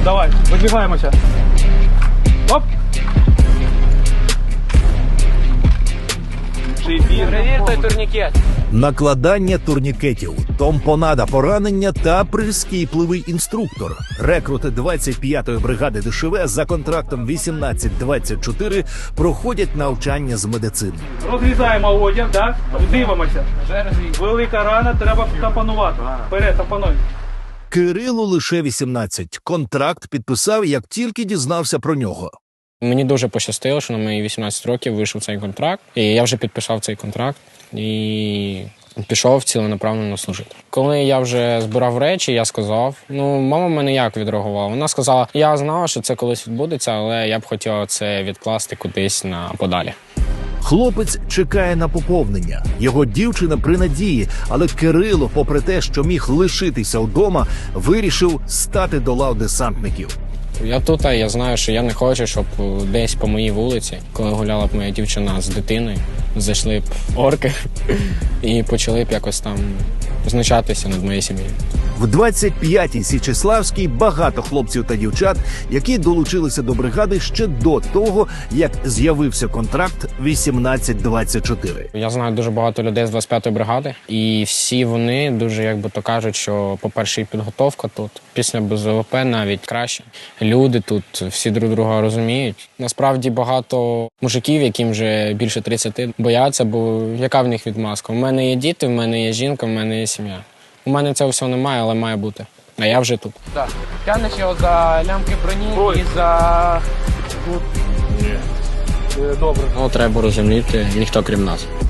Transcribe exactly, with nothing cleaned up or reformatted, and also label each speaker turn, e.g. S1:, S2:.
S1: Давай, вибігаємося. Оп! Перевірте турнікет.
S2: Накладання турнікетів, томпонада поранення та прискіпливий інструктор. Рекрути двадцять п'ятої бригади ДШВ за контрактом вісімнадцять двадцять чотири проходять навчання з медицини.
S1: Розрізаємо одяг, так? Дивимося. Велика рана, треба тампонувати. Вперед, тампонуй.
S2: Кирилу лише вісімнадцять. Контракт підписав, як тільки дізнався про нього.
S3: Мені дуже пощастило, що на мої вісімнадцять років вийшов цей контракт. І я вже підписав цей контракт і пішов ціленаправленно служити. Коли я вже збирав речі, я сказав, ну, мама в мене як відреагувала? Вона сказала, я знала, що це колись відбудеться, але я б хотіла це відкласти кудись на подалі.
S2: Хлопець чекає на поповнення. Його дівчина при надії, але Кирило, попри те, що міг лишитися вдома, вирішив стати до лав десантників.
S3: Я тут, а я знаю, що я не хочу, щоб десь по моїй вулиці, коли гуляла б моя дівчина з дитиною, зайшли б орки і почали б якось там знущатися над моєю сім'єю.
S2: В двадцять п'ятій Січеславській багато хлопців та дівчат, які долучилися до бригади ще до того, як з'явився контракт вісімнадцять двадцять чотири.
S3: Я знаю дуже багато людей з двадцять п'ятої бригади, і всі вони дуже, як би то кажуть, що, по-перше, і підготовка тут, після без ВВП навіть краще. Люди тут всі друг друга розуміють. Насправді багато мужиків, яким вже більше тридцяти, бояться, бо яка в них відмазка? У мене є діти, в мене є жінка, в мене є сім'я. У мене цього всього немає, але має бути. А я вже тут.
S1: Так. Тягнеш його за лямки броні Ой. і за... Ні. Добре.
S3: Ну, треба розуміти, ніхто крім нас.